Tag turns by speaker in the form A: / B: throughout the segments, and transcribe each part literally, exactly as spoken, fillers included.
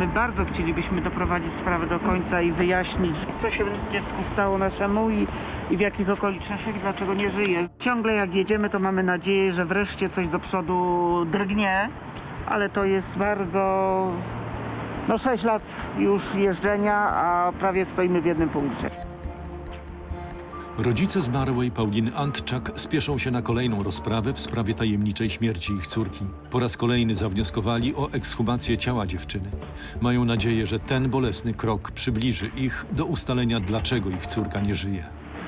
A: My bardzo chcielibyśmy doprowadzić sprawę do końca i wyjaśnić, co się dziecku stało naszemu i, i w jakich okolicznościach i dlaczego nie żyje. Ciągle jak jedziemy, to mamy nadzieję, że wreszcie coś do przodu drgnie, ale to jest bardzo... No sześć lat już jeżdżenia, a prawie stoimy w jednym punkcie.
B: Rodzice zmarłej Pauliny Antczak spieszą się na kolejną rozprawę w sprawie tajemniczej śmierci ich córki. Po raz kolejny zawnioskowali o ekshumację ciała dziewczyny. Mają nadzieję, że ten bolesny krok przybliży ich do ustalenia, dlaczego ich córka nie żyje.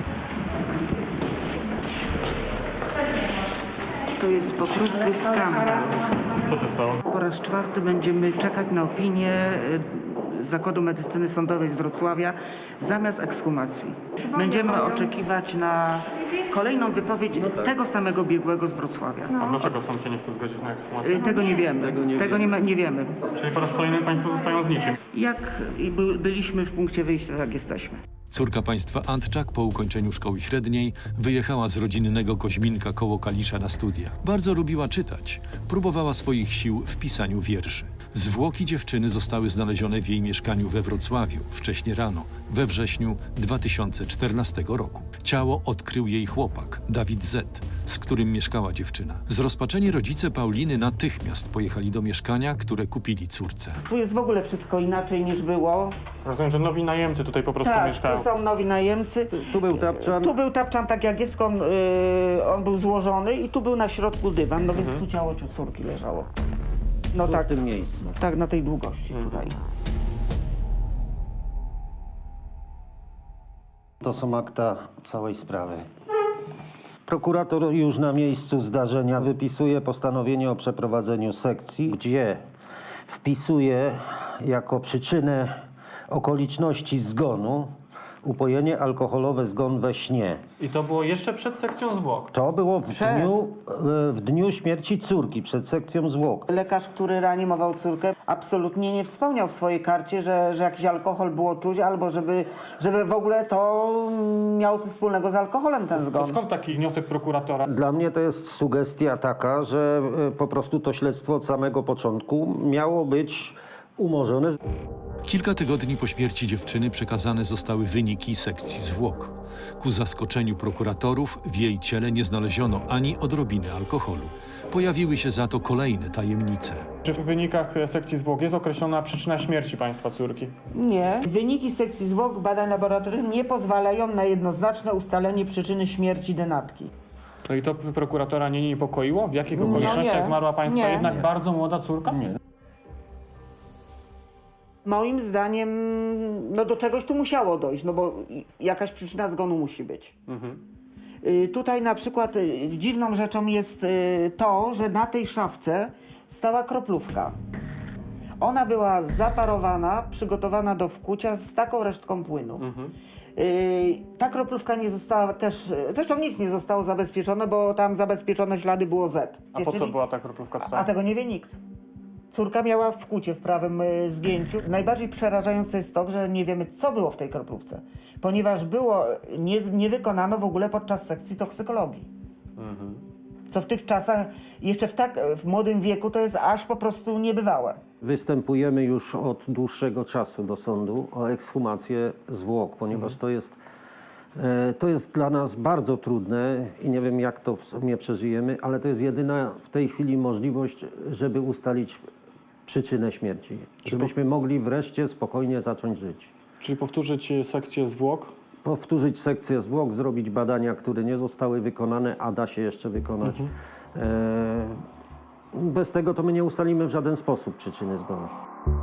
A: To jest po prostu skandal.
C: Co się stało?
A: Po raz czwarty będziemy czekać na opinię y, Zakładu Medycyny Sądowej z Wrocławia zamiast ekshumacji. Będziemy oczekiwać na kolejną wypowiedź tego samego biegłego z Wrocławia.
C: A dlaczego sąd się nie chce zgodzić na ekshumację?
A: Y, Tego nie wiemy. Tego nie, Tego nie, ma, nie wiemy.
C: Czyli po raz kolejny państwo zostają z niczym.
A: Jak i by, byliśmy w punkcie wyjścia, tak jesteśmy.
B: Córka państwa Antczak po ukończeniu szkoły średniej wyjechała z rodzinnego Koźminka koło Kalisza na studia. Bardzo lubiła czytać. Próbowała swoich sił w pisaniu wierszy. Zwłoki dziewczyny zostały znalezione w jej mieszkaniu we Wrocławiu wcześnie rano, we wrześniu dwa tysiące czternastego roku. Ciało odkrył jej chłopak, Dawid Z., z którym mieszkała dziewczyna. Zrozpaczeni rodzice Pauliny natychmiast pojechali do mieszkania, które kupili córce.
A: Tu jest w ogóle wszystko inaczej niż było.
C: Rozumiem, że nowi najemcy tutaj po prostu
A: Tak,
C: mieszkają.
A: tu są nowi najemcy.
D: Tu był tapczan.
A: Tu był tapczan tak jak jest, on, yy, on był złożony i tu był na środku dywan, no więc tu ciało córki leżało. No
D: Tu
A: tak,
D: w tym miejscu.
A: tak na tej długości tutaj.
D: To są akta całej sprawy. Prokurator już na miejscu zdarzenia wypisuje postanowienie o przeprowadzeniu sekcji, gdzie wpisuje jako przyczynę okoliczności zgonu upojenie alkoholowe, zgon we śnie.
C: I to było jeszcze przed sekcją zwłok.
D: To było w
A: Przed.
D: dniu, e, w dniu śmierci córki, przed sekcją zwłok.
A: Lekarz, który reanimował córkę, absolutnie nie wspomniał w swojej karcie, że, że jakiś alkohol było czuć, albo żeby, żeby w ogóle to miało coś wspólnego z alkoholem ten
C: To
A: zgon.
C: skąd taki wniosek prokuratora?
D: Dla mnie to jest sugestia taka, że e, po prostu to śledztwo od samego początku miało być umorzone.
B: Kilka tygodni po śmierci dziewczyny przekazane zostały wyniki sekcji zwłok. Ku zaskoczeniu prokuratorów w jej ciele nie znaleziono ani odrobiny alkoholu. Pojawiły się za to kolejne tajemnice.
C: Czy w wynikach sekcji zwłok jest określona przyczyna śmierci państwa córki?
A: Nie. Wyniki sekcji zwłok badań laboratoryjnych nie pozwalają na jednoznaczne ustalenie przyczyny śmierci denatki.
C: No i to prokuratora nie niepokoiło? W jakich
A: No
C: okolicznościach
A: nie.
C: zmarła państwa
A: Nie.
C: jednak bardzo młoda córka?
D: Nie.
A: Moim zdaniem no do czegoś tu musiało dojść, no bo jakaś przyczyna zgonu musi być. Y, Tutaj na przykład y, dziwną rzeczą jest y, to, że na tej szafce stała kroplówka. Ona była zaparowana, przygotowana do wkucia z taką resztką płynu. Y, Ta kroplówka nie została też, zresztą nic nie zostało zabezpieczone, bo tam zabezpieczone ślady było Z.
C: A po co
A: Czyli-
C: była ta kroplówka
A: A
C: tutaj?
A: tego nie wie nikt. Córka miała wkłucie w prawym y, zgięciu. Najbardziej przerażające jest to, że nie wiemy, co było w tej kroplówce, ponieważ było, nie, nie wykonano w ogóle podczas sekcji toksykologii. Co w tych czasach, jeszcze w tak w młodym wieku, to jest aż po prostu niebywałe.
D: Występujemy już od dłuższego czasu do sądu o ekshumację zwłok, ponieważ to jest, e, to jest dla nas bardzo trudne i nie wiem, jak to w sumie przeżyjemy, ale to jest jedyna w tej chwili możliwość, żeby ustalić przyczynę śmierci. Żebyśmy mogli wreszcie spokojnie zacząć żyć.
C: Czyli powtórzyć sekcję zwłok?
D: Powtórzyć sekcję zwłok, zrobić badania, które nie zostały wykonane, a da się jeszcze wykonać. E, bez tego to my nie ustalimy w żaden sposób przyczyny zgonu.